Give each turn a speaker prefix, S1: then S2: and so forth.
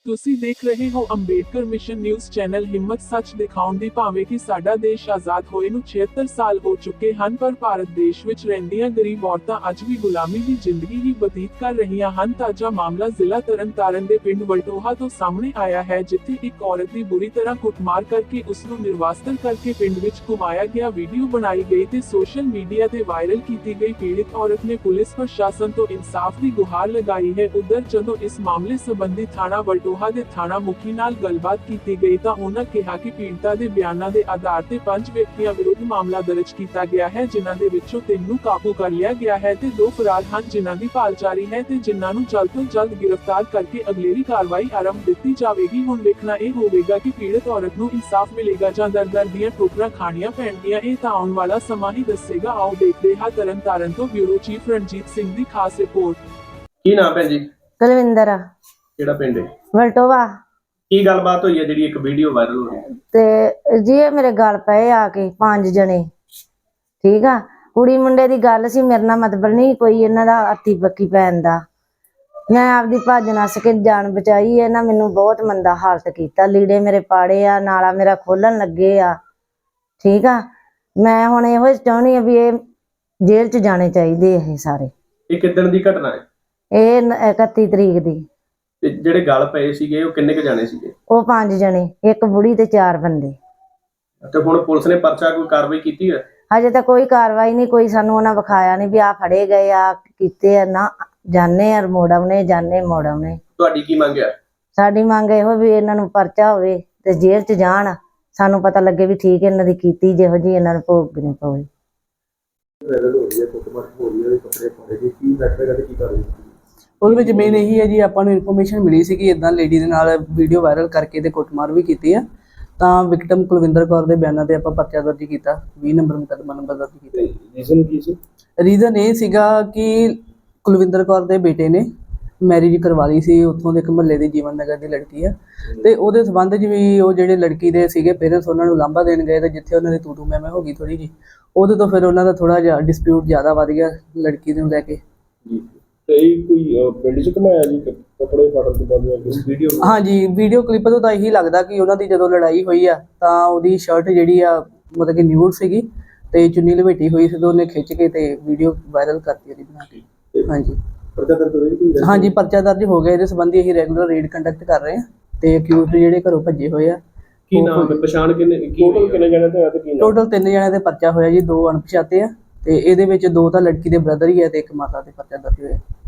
S1: ਤੁਸੀਂ ਦੇਖ ਰਹੇ ਹੋ ਅੰਬੇਡਕਰ ਮਿਸ਼ਨ ਨਿਊਜ਼ ਚੈਨਲ। ਹਿੰਮਤ ਸੱਚ ਦਿਖਾਉਣ ਦੀ। ਭਾਵੇਂ ਕਿ ਸਾਡਾ ਦੇਸ਼ ਆਜ਼ਾਦ ਹੋਏ ਨੂੰ 76 ਸਾਲ ਹੋ ਚੁੱਕੇ ਹਨ, ਪਰ ਭਾਰਤ ਦੇਸ਼ ਵਿੱਚ ਰਹਿੰਦੀਆਂ ਗਰੀਬ ਔਰਤਾਂ ਅੱਜ ਵੀ ਗੁਲਾਮੀ ਦੀ ਜ਼ਿੰਦਗੀ ਹੀ ਬਤੀਤ ਕਰ ਰਹੀਆਂ ਹਨ। ਤਾਜ਼ਾ ਮਾਮਲਾ ਜ਼ਿਲ੍ਹਾ ਤਰਨਤਾਰਨ ਦੇ ਪਿੰਡ ਵਲਟੋਹਾ ਤੋਂ ਸਾਹਮਣੇ ਆਇਆ ਹੈ, ਜਿੱਥੇ ਇੱਕ ਔਰਤ ਦੀ ਬੁਰੀ ਤਰ੍ਹਾਂ ਕੁੱਟਮਾਰ ਕਰਕੇ ਉਸ ਨੂੰ ਨਿਰਵਾਸਨ ਕਰਕੇ ਪਿੰਡ ਵਿੱਚ ਘੁਮਾਇਆ ਗਿਆ ਵੀਡੀਓ ਬਣਾਈ ਗਈ ਤੇ ਸੋਸ਼ਲ ਮੀਡੀਆ ਤੇ ਵਾਇਰਲ ਕੀਤੀ ਗਈ। ਪੀੜਿਤ ਔਰਤ ਨੇ ਪੁਲਿਸ ਪ੍ਰਸ਼ਾਸਨ ਤੋਂ ਇਨਸਾਫ ਦੀ ਗੁਹਾਰ ਲਗਾਈ ਹੈ। ਉਧਰ ਜਦੋਂ ਇਸ ਮਾਮਲੇ ਸੰਬੰਧੀ ਥਾਣਾ ਵਲਟੋਹਾ ਦੇ ਥਾਣਾ ਮੁਖੀ ਨਾਲ ਗੱਲਬਾਤ ਕੀਤੀ ਗਈ ਤਾਂ ਉਹਨਾਂ ਕਿਹਾ ਕਿ ਪੀੜਤਾ ਦੇ ਬਿਆਨਾਂ ਦੇ ਆਧਾਰ ਤੇ 5 ਵਿਅਕਤੀਆਂ ਵਿਰੁੱਧ ਮਾਮਲਾ ਦਰਜ ਕੀਤਾ ਗਿਆ ਹੈ, ਜਿਨ੍ਹਾਂ ਦੇ ਵਿੱਚੋਂ 3 ਨੂੰ ਕਾਬੂ ਕਰ ਲਿਆ ਗਿਆ ਹੈ ਤੇ 2 ਫਰਾਰ ਹਨ, ਜਿਨ੍ਹਾਂ ਦੀ ਭਾਲ ਜਾਰੀ ਹੈ ਤੇ ਜਿਨ੍ਹਾਂ ਨੂੰ ਜਲਦ ਤੋਂ ਜਲਦ ਗ੍ਰਿਫਤਾਰ ਕਰਕੇ ਅਗਲੇਰੀ ਕਾਰਵਾਈ ਆਰੰਭ ਦਿੱਤੀ ਜਾਵੇਗੀ। ਹੁਣ ਵੇਖਣਾ ਇਹ ਹੋਵੇਗਾ ਕਿ ਪੀੜਤ ਔਰਤ ਨੂੰ ਇਨਸਾਫ ਮਿਲੇਗਾ ਜਾਂ ਦਰ ਦੀਆਂ ਠੋਕਰਾਂ ਖਾਣੀਆਂ ਪੈਣਗੀਆਂ। ਇਹ ਤਾਂ ਆਉਣ ਵਾਲਾ ਸਮਾਂ ਹੀ ਦੱਸੇਗਾ। ਆਓ ਦੇਖਦੇ ਹਾਂ ਤਰਨਤਾਰਨ ਤੋਂ ਬਿਊਰੋ ਚੀਫ ਰਣਜੀਤ ਸਿੰਘ ਦੀ ਖਾਸ ਰਿਪੋਰਟ।
S2: ਕੀ ਨਾਮ ਹੈ ਜੀ?
S3: ਕੁਲਵਿੰਦਰ।
S2: ਕਿਹੜਾ ਪਿੰਡ ਹੈ?
S3: ਵਲਟੋਹਾ।
S2: ਕੀ ਗੱਲਬਾਤ ਹੋਈ ਹੈ ਜਿਹੜੀ ਇੱਕ ਵੀਡੀਓ ਵਾਇਰਲ ਹੋ ਰਹੀ ਹੈ?
S3: ਤੇ ਜੀ ਇਹ ਮੇਰੇ ਗੱਲ ਪਏ ਆ ਕੇ 5 ਜਣੇ, ਠੀਕ ਆ। ਕੁੜੀ ਮੁੰਡੇ ਦੀ ਗੱਲ ਸੀ, ਮੇਰੇ ਨਾਲ ਮਤਲਬ ਨਹੀਂ ਕੋਈ ਇਹਨਾਂ ਦਾ ਅੱਤੀ ਪੱਕੀ ਪੈਣ ਦਾ। ਮੈਂ ਆਪਦੀ ਭੱਜ ਨੱਸ ਕੇ ਜਾਨ ਬਚਾਈ। ਇਹਨਾਂ ਮੈਨੂੰ ਬਹੁਤ ਮੰਦਾ ਹਾਲਤ ਕੀਤਾ, ਲੀੜੇ ਮੇਰੇ ਪਾੜੇ ਆ, ਨਾਲਾ ਮੇਰਾ ਖੋਲਣ ਲੱਗੇ ਆ, ਠੀਕ ਆ। ਮੈਂ ਹੁਣ ਇਹੋ ਚਾਹੁੰਦੀ ਆ ਵੀ ਇਹ ਜੇਲ੍ਹ 'ਚ ਜਾਣੇ ਚਾਹੀਦੇ ਇਹ ਸਾਰੇ।
S2: ਇਹ ਕਿੱਦਣ ਦੀ ਘਟਨਾ ਹੈ?
S3: ਇਹ 31 ਤਰੀਕ ਦੀ।
S2: ਤੇ ਜਿਹੜੇ ਗੱਲ ਪਏ ਸੀਗੇ ਉਹ ਕਿੰਨੇ ਕ ਜਾਣੇ ਸੀਗੇ?
S3: ਉਹ 5 ਜਣੇ, ਇੱਕ ਬੁੜੀ ਤੇ 4 ਬੰਦੇ।
S2: ਤੇ ਹੁਣ ਪੁਲਿਸ ਨੇ ਪਰਚਾ ਕੋਈ ਕਾਰਵਾਈ ਕੀਤੀ ਹੈ?
S3: ਹਜੇ ਤਾਂ ਕੋਈ ਕਾਰਵਾਈ ਨਹੀਂ, ਕੋਈ ਸਾਨੂੰ ਉਹਨਾਂ ਵਿਖਾਇਆ ਨਹੀਂ ਵੀ ਆ ਫੜੇ ਗਏ ਆ ਕੀਤੇ ਆ। ਨਾ ਜਾਣੇ ਆ ਮੋੜਾਉਣੇ, ਜਾਣੇ ਮੋੜਾਉਣੇ।
S2: ਤੁਹਾਡੀ ਕੀ ਮੰਗ ਹੈ?
S3: ਸਾਡੀ ਮੰਗ ਇਹੋ ਵੀ ਇਹਨਾਂ ਨੂੰ ਪਰਚਾ ਹੋਵੇ ਤੇ ਜੇਲ੍ਹ 'ਚ ਜਾਣ, ਸਾਨੂੰ ਪਤਾ ਲੱਗੇ ਵੀ ਠੀਕ ਇਹਨਾਂ ਦੀ ਕੀਤੀ ਜਿਹੋ ਜਿਹੀ ਇਹਨਾਂ ਨੂੰ ਭੋਗਣੀ ਪਵੇ।
S4: ਉਹਦੇ ਵਿੱਚ ਮੇਨ ਇਹੀ ਹੈ ਜੀ, ਆਪਾਂ ਨੂੰ ਇਨਫੋਰਮੇਸ਼ਨ ਮਿਲੀ ਸੀ ਕਿ ਇਦਾਂ ਲੇਡੀ ਦੇ ਨਾਲ ਵੀਡੀਓ ਵਾਇਰਲ ਕਰਕੇ ਤੇ ਕੁੱਟਮਾਰ ਵੀ ਕੀਤੀ ਆ। ਤਾਂ ਵਿਕਟਮ ਕੁਲਵਿੰਦਰ ਕੌਰ ਦੇ ਬਿਆਨਾਂ ਤੇ ਆਪਾਂ ਪਰਚਾ ਦਰਜ ਕੀਤਾ, 20 ਨੰਬਰ ਮੁਕੱਦਮਾ ਨੰਬਰ ਦਰਜ ਕੀਤਾ।
S2: ਰੀਜ਼ਨ ਕੀ ਸੀ?
S4: ਰੀਜ਼ਨ ਇਹ ਸੀਗਾ ਕਿ ਕੁਲਵਿੰਦਰ ਕੌਰ ਦੇ ਬੇਟੇ ਨੇ ਮੈਰਿਜ ਕਰਵਾ ਲਈ ਸੀ, ਉੱਥੋਂ ਦੇ ਇੱਕ ਮੁਹੱਲੇ ਦੀ ਜੀਵਨ ਨਗਰ ਦੀ ਲੜਕੀ ਆ, ਤੇ ਉਹਦੇ ਸੰਬੰਧ 'ਚ ਵੀ ਉਹ ਜਿਹੜੇ ਲੜਕੀ ਦੇ ਸੀਗੇ ਪੇਰੈਂਟਸ ਉਹਨਾਂ ਨੂੰ ਲਾਂਭਾ ਦੇਣ ਗਏ ਤੇ ਜਿੱਥੇ ਉਹਨਾਂ ਦੀ ਤੂੰ ਮੈਂ ਹੋ ਗਈ ਥੋੜੀ ਜੀ, ਉਹਦੇ ਤੋਂ ਫਿਰ ਉਹਨਾਂ ਦਾ ਥੋੜਾ ਜਿਹਾ ਡਿਸਪਿਊਟ ਜ਼ਿਆਦਾ ਵੱਧ ਗਿਆ ਲੜਕੀ ਨੂੰ ਲੈ ਕੇ।
S2: ਤੇ ਕੋਈ ਪਿੰਡ 'ਚ ਘਮਾਇਆ ਜੀ ਕੱਪੜੇ ਫਾੜਨ ਤੋਂ ਬਾਅਦ ਵੀਡੀਓ?
S4: ਹਾਂਜੀ, ਵੀਡੀਓ ਕਲਿੱਪ ਤੋਂ ਤਾਂ ਇਹੀ ਲੱਗਦਾ ਕਿ ਉਹਨਾਂ ਦੀ ਜਦੋਂ ਲੜਾਈ ਹੋਈ ਆ ਤਾਂ ਉਹਦੀ ਸ਼ਰਟ ਜਿਹੜੀ ਆ ਮਤਲਬ ਕਿ ਨਿਊਡ ਸੀਗੀ ਤੇ ਚੁੰਨੀ ਲਪੇਟੀ ਹੋਈ ਸੀ, ਤੇ ਉਹਨੇ ਖਿੱਚ ਕੇ ਤੇ ਵੀਡੀਓ ਵਾਇਰਲ ਕਰਤੀ ਉਹਦੀ ਬਣਾ ਕੇ। ਹਾਂਜੀ ਹਾਂਜੀ, ਪਰਚਾ ਦਰਜ ਹੋ ਗਿਆ। ਇਹਦੇ ਸੰਬੰਧੀ ਅਸੀਂ ਰੈਗੂਲਰ ਰੇਡ ਕੰਡਕਟ ਕਰ ਰਹੇ ਹਾਂ ਤੇ ਅਕਿਊਜ਼ਡ ਜਿਹੜੇ ਘਰੋਂ ਭੱਜੇ ਹੋਏ ਆ।
S2: ਕੀ ਨਾਮ ਹੈ? ਪਛਾਣ ਟੋਟਲ ਕਿੰਨੇ ਜਣੇ ਤੇ ਆ ਤੇ ਕੀ ਨਾਮ?
S4: ਟੋਟਲ 3 ਜਣਿਆਂ ਦੇ ਪਰਚਾ ਹੋਇਆ ਜੀ, 2 ਅਣਪਛਾਤੇ ਆ ਤੇ ਇਹਦੇ ਵਿੱਚ 2 ਤਾਂ ਲੜਕੀ ਦੇ ਬ੍ਰਦਰ ਹੀ ਆ ਤੇ 1 ਮਾਤਾ ਦੇ ਪਰਚਾ ਦਰਜ ਹੋਇਆ।